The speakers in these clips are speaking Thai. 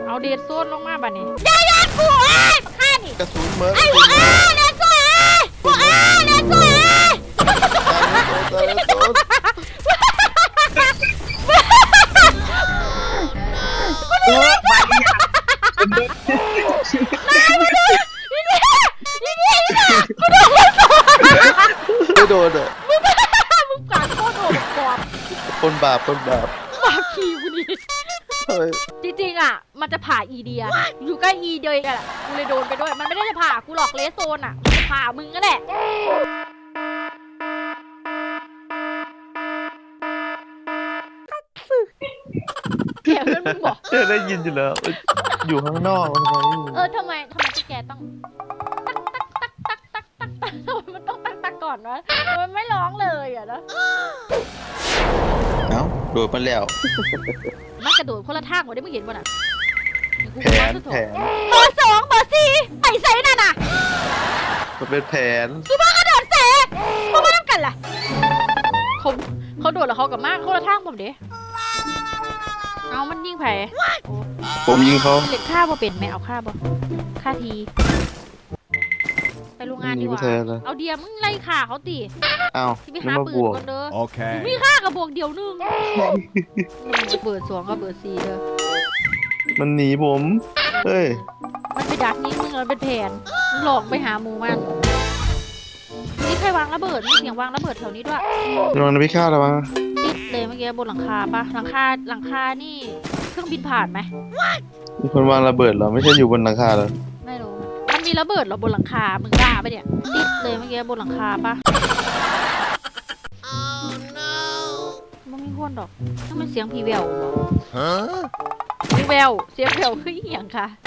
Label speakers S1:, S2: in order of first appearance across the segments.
S1: เอาเดดโซนลงมาบ้านี้อย่ากูไอ้ข้านี่
S2: กระสุนเมิร์ด
S1: ไอ้หัวเดดโซนเดดโซน
S2: ไม่โดนอ่ะ
S1: มึงการโคตรโหดกว่า
S2: คนบาป
S1: บาปขี้กูดิจริงๆอ่ะมันจะผ่าอีเดียอยู่ใกล้อีเดียกันแหละกูเลยโดนไปด้วยมันไม่ได้จะผ่ากูหรอกเลสโซนอ่ะมันจะผ่ามึงก็แหละแกเพื่อนมึงบอก
S2: ได้ยินอยู่แล้วอยู่ข้างนอก
S1: ทำไมพวกแกต้องตักทำไมมันต้องตักก่อนวะมันไม่ร้องเลยอ่ะนะ
S2: เอ้าโดดมาแล้ว
S1: มันกระโดดคนละทางกว่าได้มึงเห็นป่ะน่ะ
S2: แผน
S1: เบอร์2เบอร์4ไอ้ไซนั่นน่ะ
S2: มันเป็นแผน
S1: ซูเปอร์กระโดดเสกมาบ้านกันล่ะเขาโดดแล้วเขากับมากคนละทางผมเด้เอามันยิงไผ่
S2: ผมยิงเขา
S1: เล็กฆ่าบ่เป็นไหมเอาฆ่าบ่ฆ่าทีไปโรงงานดีกว่าเอาเดียมึงไล่ฆ่าเขาตี
S2: เอา
S1: ที่ไปหาปืนก่อนเด้อโอเคมีฆ่ากับบวกเดียวนึงเปิด2กับเปิด4เด้อ
S2: มันหนีผมเฮ้ย
S1: มันไปดักนี้มึงมันเป็นแผนมึงหลอกไปหาหมูมันนี่ใครวางระเบิดมีเสียงวางระเบิดแถวนี้ด้วย
S2: ลองนะพี่ข้าวหรอวะ
S1: ติดเลยเมื่อกี้บนหลังคาปะหลังคานี่เครื่องบินผ่านไหม
S2: มีคนวางระเบิดเหรอไม่ใช่อยู่บนหลังคาเหรอ
S1: ไม่รู้มันมีระเบิดเหรอบนหลังคามึงกล้าปะเนี่ยติดเลยเมื่อกี้บนหลังคาปะมันไม่พ้นหรอกต้องเป็นเสียงผีแววผีแววเสียงแววคือเหี้ยงค่ะ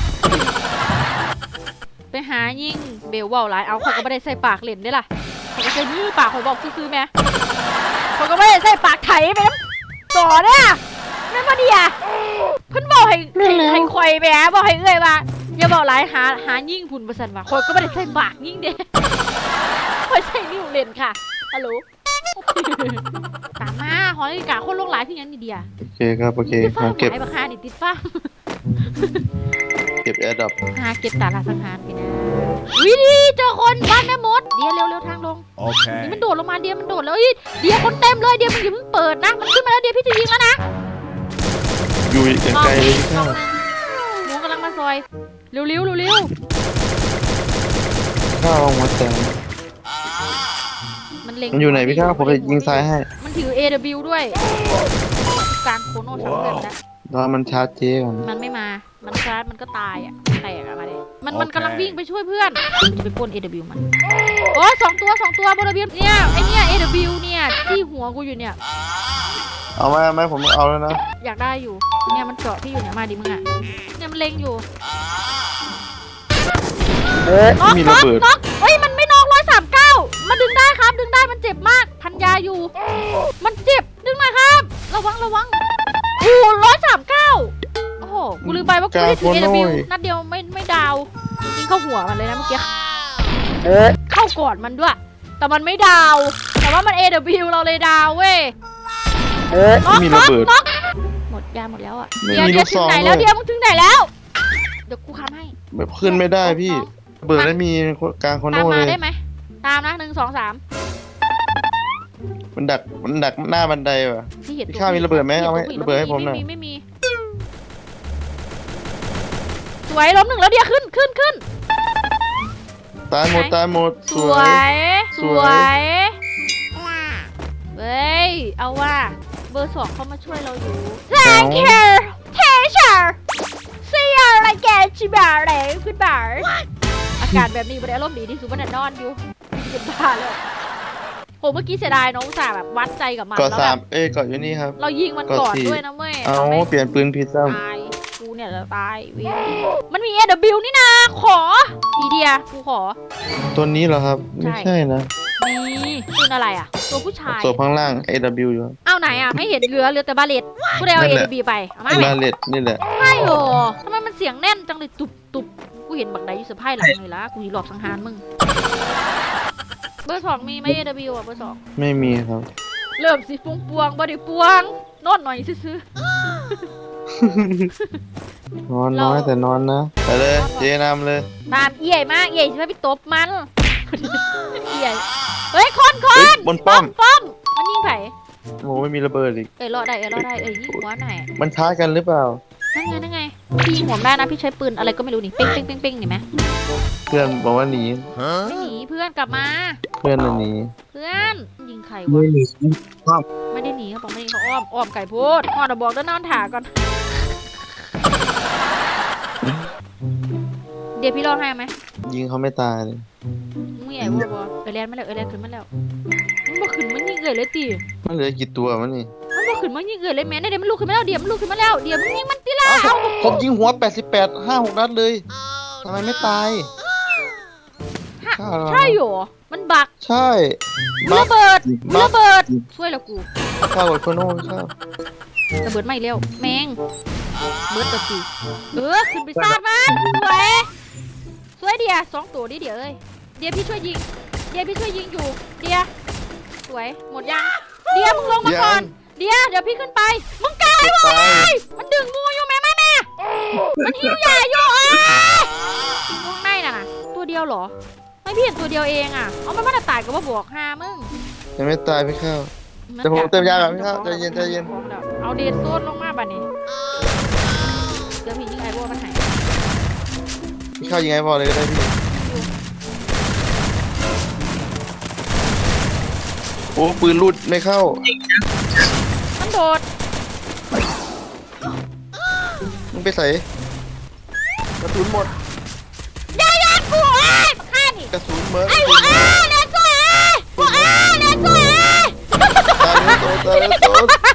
S1: ไปหายิ่งเบลว่าหลายเอาเขาก็ไม่ได้ใส่ปากเล่นได้ล่ะเขาก็ใส่มือปากเขาบอกซื้อๆแม่เขาก็ไม่ได้ใส่ปากไถไปน้ำต่อเนี่ยนั่นพอดีอ่ะเพิ่นบอกให้คอยไปฮะบอกให้เอ้ยว่าอย่าบอกหลายหายิ่งผุนประสันว่าคนก็ไม่ได้ใส่ปากยิ่งเด้คอยใส่นิ้วเล่นค่ะฮัลโหลตามมาหอนาฬิกาคนโลกหลายที่ยังนี่เดีย
S2: โอเคครับโอเค
S1: เก็บไอ้บักฮานี่ติดฟ้า
S2: เก็บแอร์ดรอป
S1: เก็บตาลาสังหารไปนะวิดีเจอคนบ้านแม่มดเดียเร็วทางลงโอเคนี่มันโดดลงมาเดียมันโดดแล้วเดียคนเต็มเลยเดียมึงอย่าเพิ่งเปิดนะมันขึ้นมาแล้วเดียพี่จะยิงแล้วนะ
S2: อยู่ไกลเลยพี่ข้าว
S1: หมูกำลังมาซอยเร็ว
S2: ข้าวลงมาแซงมันอยู่ไหนพี่ข้าวผมจะยิงซ้ายให้
S1: มันถือ AW ด้วยการโคโน่ทั้งเดือนนะ
S2: รอมันชาร์จเจ๊ก่อน
S1: มันไม่มามันชาร์จมันก็ตายอ่ะแตกอะมาดิมันกำลังวิ่งไปช่วยเพื่อนจะไปปล้น AW มันโอ้2 ตัวบนระเบียงเนี่ยไอเนี่ย AW เนี่ยที่หัวกูอยู่เนี่ย
S2: เอาไหมผมเอาแล้วนะ
S1: อยากได้อยู่เนี่ยมันเจาะที่อยู่เนี่ยมาดิมึงอ่ะเนี่ยมันเล็งอยู่
S2: มีระเบิด
S1: เฮ้ยมันไม่นอก139มันดึงได้ครับดึงได้มันเจ็บมากพันยาอยู่มันเจ็บดึงหน่อยครับระวังโอ้139โอ้โหกูลืมไปว่ากูได้ถือ AW นัดเดียวไม่ดาวยิงเข้าหัวมันเลยนะเมื่อกี้เข้ากอดมันด้วยแต่มันไม่ดาวแต่ว่ามัน AW เราเลยดาวเว้ย
S2: มีระเบิด
S1: หมดยาหมดแล้วอ่ะเดี๋ยวถึงไหนแล้วเดี๋ยวมึงถึงไหนแล้วเดี๋ยวกูค้ำให้
S2: แบบขึ้นไม่ได้พี่เบิดแล้วมีกลางคอนโดเลย
S1: ตามมาได้ไหมตามนะ1 2 3
S2: มันดักหน้าบันไดว่ะพี่ข้ามีระเบิดไหมเอาให้ระเบิดให้ผมหน่อย
S1: ไม่มีสวยล้ม1แล้วเดี๋ยวขึ้น
S2: ตายหมด
S1: สวยเฮ้ยเอาว่าเบอร์2เขามาช่วยเราอยู่ Thank you teacher see you again จิบาร์เลยคุณบาร์อากาศแบบนี้มันอารมณ์ดีที่สุดมันนอนอยู่เป็นบ้าเลยโหเมื่อกี้เสียดายน้องอุตส่าห์แบบวัดใจกับมัน
S2: แล้วแบบเกาะอยู่นี่ครับ
S1: เรายิงมันก่อนด้วยนะเว้ย
S2: เอาเปลี่ยนปืนผิดซ้
S1: ำตายกูเนี่ยจะตายวิมันมี AW นี่นะขออีเดียกูขอ
S2: ตัวนี้เหรอครับไม่ใช่นะ
S1: นี่ปืนอะไรอ่ะตัวผู้ชาย
S2: ตัวข้างล่าง AW อยู่
S1: เอาไหนอ่ะไม่เห็นเหลือแต่บาเลตกูได้เอา AW ไปเอามา
S2: บาเลตนี่แหละ
S1: ใช่หรอทำไมมันเสียงแน่นจังเลยตุบกูเห็นบักใดอยู่เซอร์ไพรส์หลังเลยละกูหลอกสังหารมึงเบอร์2มีไหม AW อ่ะเบอร์2
S2: ไม่มีครับ
S1: เริ่มสิปวงบ่ได้ปวงนอนหน่อยซื้อ
S2: นอนน้อยแต่นอนนะไปเลยเจนำเลย
S1: ตามเอี่ยมากเอี่ยใช่ไหมพี่ตบมันเอี่ยเฮ้ยคน
S2: เฮ้ยบนป้อม
S1: ป้อมมันยิงไผ่
S2: โอ้ไม่มีระเบิดอีก
S1: รอได้ยิงหัวหน่อย
S2: มันช้ากันหรือเปล่า
S1: นั่นไงพี่ยิงหัวได้นะพี่ใช้ปืนอะไรก็ไม่รู้นี่เป้งเห็นไหม
S2: เพื่อนบอกว่าหนี
S1: ไม่หนีเพื่อนกลับมา
S2: เพื่อนน่ะหนี
S1: เพื่อนยิงใครวะไม่ได้หนีเขาบอกไม่ได้หนีเขาอ้อมไก่พูดพ่อเดี๋ยวบอกแล้วนอนถ่าก่อนเดี๋ยวพี่รอให้ไหม
S2: ยิงเขาไม่ตายเลย
S1: มึงใหญ่บัวเอเลียนมาแล้วขึ้นมาแล้วมึงบ่ขึ้นมันยิงเกยเลยตี
S2: มันเหลือกี่ตัวมันนี่
S1: มันบ่ขึ้นมันยิงเกยเลยแม่เดี๋ยวมันลุกขึ้นมาแล้วเดี๋ยวมึงยิงมันตีละ
S2: ผมยิงหัว88 5-6 นัดเลยทำไมไม่ตายฆ่าเรา
S1: ใช่หรอมันบัก
S2: ใช่
S1: ระเบิดช่วยแล้วกู
S2: ฆ่าหมดคนโน่นฆ่า
S1: ระเบิดไม่เร็วแมงเบิดตัวตีขึ้นไปซาดมันสวยเดีย2ตัวดิเดี๋ยวเอ้ยเดี๋ยวพี่ช่วยยิงอยู่เดี๋ยวสวยหมดยังเดี๋ยวมึงลงมาก่อนเดี๋ยวพี่ขึ้นไปมึงกายเว้ยมันดึงงูอยู่แม่มันหิวใหญ่อยู่วงในน่ะตัวเดียวเหรอไม่พี่เห็นตัวเดียวเองอ่ะเอามันตายก็ว่าบวก5มึง
S2: ยังไม่ตายพี่ข้าว แต่ผมเติมยาแบบพี่ข้าวใจเย็น
S1: เอาเดนโซนลงมาบัดนี้เดี๋ยวพี่ยิงไอ้บัวมันหาย
S2: พี่ข้าวยิงไงพอเลยก็ได้พี่โอ้ปืนรุดไม่เข้า
S1: มันโดด
S2: มึงไปใส่กระสุนหมด
S1: ยากูฆ่านี่
S2: กระสุนเมิร์ด
S1: ไอ้บัวเดนโซน
S2: ตายเลยโต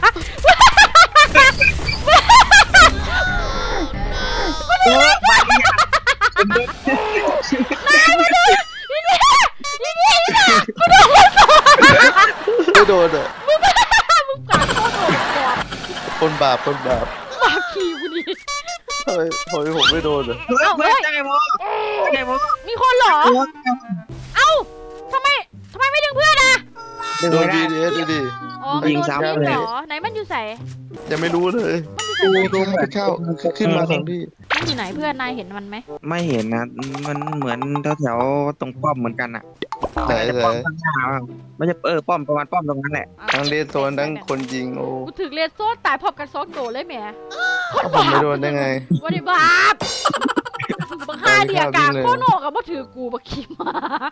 S2: ไม่โดนอ่ะ
S1: มึงกัดโคตรโดดกอด
S2: คนบาป
S1: บาขี้กูดิ
S2: ทำไมผมไม่โดนอ่ะ
S1: เฮ้ยมีคนเหรอเอ้าทำไมไม่ดึงเพื่อนอ่ะ
S2: โดนดีดิ
S1: อ๋อยิงซ้ำเลยเหรอไหนมันอยู่ใส่
S2: ยังไม่รู้เลยพี่ข้าวขึ้นมาสองที่
S1: มันอยู่ไหนเพื่อนนายเห็นมันไหม
S3: ไม่เห็นนะมันเหมือนแถวๆตรงป้อมเหมือนกันอ่ะ
S2: ไหน
S3: ป้อมข้างหน้าไม่ใช่ป้อมประมาณป้อมตรงนั้นแหละ
S2: ทั้งเดนโซนทั้งคนยิงโอ้
S1: กูถึงเลนโซ่ตายพร้อมกัน2ตัวเลยแหม
S2: ผมไม่โดนได้ไง
S1: วันนี้บาปบังค่าเดียกาโคโนกับบ่ถือกูบักขี้มา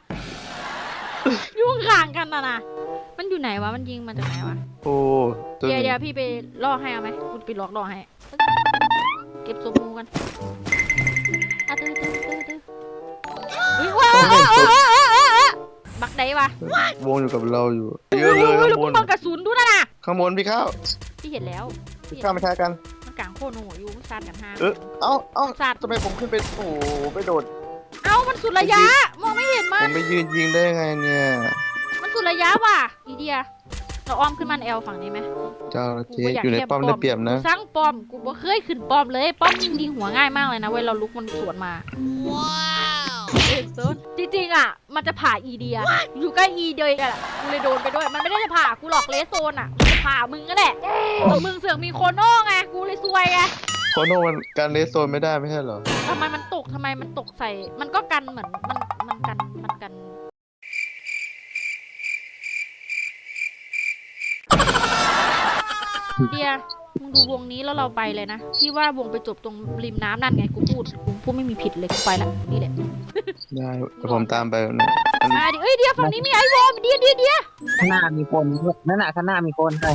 S1: ยุ่งข่างกันนะมันอยู่ไหนวะมันยิงมาจากไหนวะ
S2: โอ้ตัว
S1: เดี๋ยวพี่ไปล่อให้เอาไหมกูไปล่อให้เก็บสมูกันตื้ออุ้ยว้าวบักไหนวะ
S2: วงอยู่กับเราอยู่เยอะเลยข้างบน
S1: บังกระสุนดูนะ
S2: ข้างบนพี่ข้าว
S1: พี่เห็นแล้ว
S2: พี่ข้าวไม่ใช่กัน
S1: มันกลางโคโนอยู่มันซัดกัน5
S2: เอ้าทำไมผมขึ้นไปโอ้ไปโดด
S1: เอ้ามันสุดระยะมองไม่เห็นมั
S2: ผ
S1: น
S2: มไปยืนยิงได้ไงเนี่ย
S1: มันสุดระยะว่ะอีเดียเราอ้อมขึ้นมันแอลฝั่งนี้ไหม
S2: เจ้าเจ๊อยู่ในป้อมได้เปรียบนะ
S1: สร้างป้อมกูบ่เคยขึ้นป้อมเลยป้อมยิงหัวง่ายมากเลยนะเว้ยเราลุกมันสวนมาว้าวจริงๆอ่ะมันจะผ่าอีเดียอยู่ใกล้อีเดียกันอ่ะกูเลยโดนไปด้วยมันไม่ได้จะผ่ากูหรอกเลสโซนอ่ะมันจะผ่ามึงก็แหละแต่มึงเสือกมีโคโน่ไงกูเลยซวยไง
S2: โคโน่มันการเลสโซนไม่ได้ไม่ใช่เหรอ
S1: ทำไมมันตกใส่มันก็กันเหมือนมันกันเดียมึงดูวงนี้แล้วเราไปเลยนะพี่ว่าวงไปจบตรงริมน้ำนั่นไงกูพูดไม่มีผิดเลยกูไปละนี่แหละ
S2: ได้แต่ผมตามไปเนี่ย
S1: มาดิเอ้ยเดียฝั่งนี้มีไอวอลเดีย
S3: ข้างหน้ามีคนนั่นน่ะข้างหน้ามีคนใช่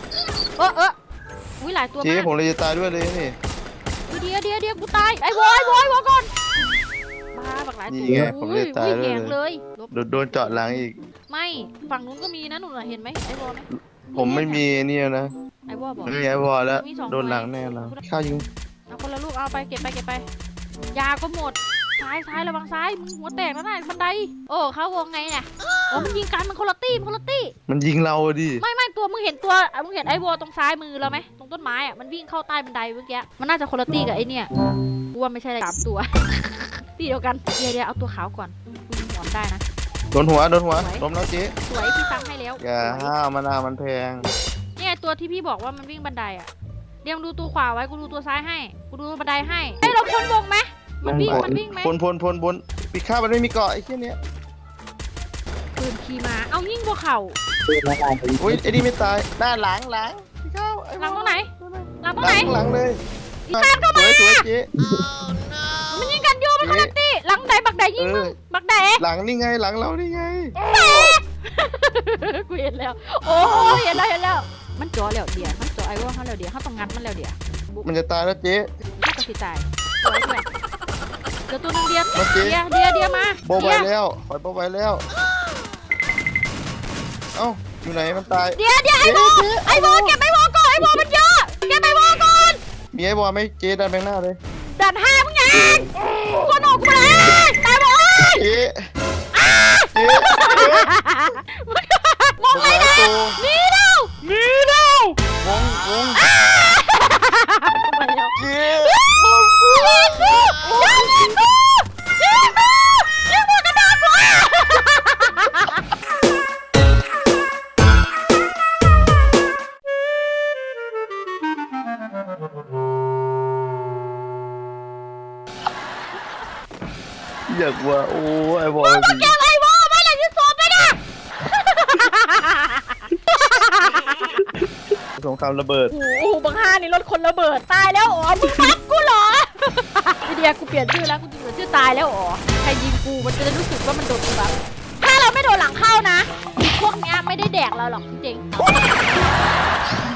S1: อุ้ยหลายตัว
S2: เจ๊
S1: มาก
S2: ผมเลยจะตายด้วยเลยนี่
S1: เดียกูตายไอวอลก่อนบ้าบักหลายตัว
S2: นี่ไงผมเลยตายด้วย
S1: แงเลย
S2: โดนเจาะหลังอีก
S1: ไม่ฝั่งนู้นก็มีนะหนูเห็นไหมไอวอลไหม
S2: ผมไม่มีนี่นะ
S1: ไอวอลบอก
S2: ไม่มีไอ้วอลแล้วโดนหลังแน่แล้วข้าวยิง
S1: เอาคนละลูกเอาไปเก็บไปยาก็หมดซ้ายระวังซ้ายมึงหัวแตกแล้วนะบันไดโอ้เข้าวงไงเนี่ยโอ้มันยิงกันมันคนละตี้
S2: มันยิงเราดิ
S1: ไม่ตัวมึงเห็นไอ้วอลตรงซ้ายมือเราไหมตรงต้นไม้อะมันวิ่งเข้าใต้บันไดเมื่อกี้มันน่าจะคนละตี้กับไอ้เนี่ยกูว่าไม่ใช่3 ตัว ตีเดียวกันเดี๋ยวเอาตัวขาวก่อนกูหอมได้นะ
S2: โดนหัวล้มแล้วเจ๊
S1: สวยพี่ซ้ำให้แล้ว
S2: อย่าห้าวมะนาวมันแพง
S1: เนี่ยตัวที่พี่บอกว่ามันวิ่งบันไดอะเเดี๋ยวดูตัวขวาไว้กูดูตัวซ้ายให้กูดูบันไดให้เฮ้ยเราพ้นวงไหมมันวิ่งไหม
S2: พลปีข้ามันไม่มีเกาะไอ้เหี้ยเนี้ย
S1: ปืนขี่มาเอายิงพวกเขา
S2: อุ้ยไอ้นี่ไม่ตายหน้าหลังพี่ข้าวไอ้
S1: หลังตรงไหนหลังตรง
S2: ห
S1: ไหน
S2: ลังเลย
S1: อีกข้ามเข้ามา
S2: สวยเจ๊
S1: มันยิงกันอยู่มันคนละตีหลังไหนบักใดยิงมึงบักใด
S2: หลังนี่ไงหลังเรานี่ไง
S1: กูเห็นแล้วโอ้เห็นแล้วมันจ่อแล้วเดี๋ยวมันจ่อไอ้ว่าเขาแล้วเดี๋ยวเขาต้องงัดมันแล้วเดี๋ยว
S2: มันจะตายแล้วเจ๊
S1: เขาก็สิตายสวยด้วยเดี๋ยวตัวนึงเดียว
S2: มาเจ๊
S1: เดียวมา
S2: โบไว้แล้วปล่อยโบไว้แล้วเอ้าอยู่ไหนมันตาย
S1: เดี๋ยวไอ้โบเก็บไอ้โบก่อนไอ้โบมันเยอะเก็บไอ้โบก่อน
S2: มีไอ้บอลไหมเจ๊ดันแบงหน้าเลย
S1: ดันห้ามึงไงกูหนูกูเลยตายหมด
S2: เจ๊
S1: มองไอ้นะมีแล้ว
S2: วง
S1: ไปแล้ว
S2: เจ๊
S1: ยิงหมดกระดานกู
S2: อยากว่าโอ้ไอ้บอล
S1: แกไอ้โบไม่เลยยืนโซนไปนะ
S2: สงครามระเบิด
S1: โอ้โหบังฮานี่รถคนระเบิดตายแล้วอ๋อมึงพักกูเหรอพี่เดียกูเปลี่ยนชื่อแล้วกูจะเปลี่ยนชื่อตายแล้วอ๋อใครยิงกูมันจะได้รู้สึกว่ามันโดนกูแบบถ้าเราไม่โดนหลังเข้านะพวกเนี้ยไม่ได้แดกเราหรอกจริงๆ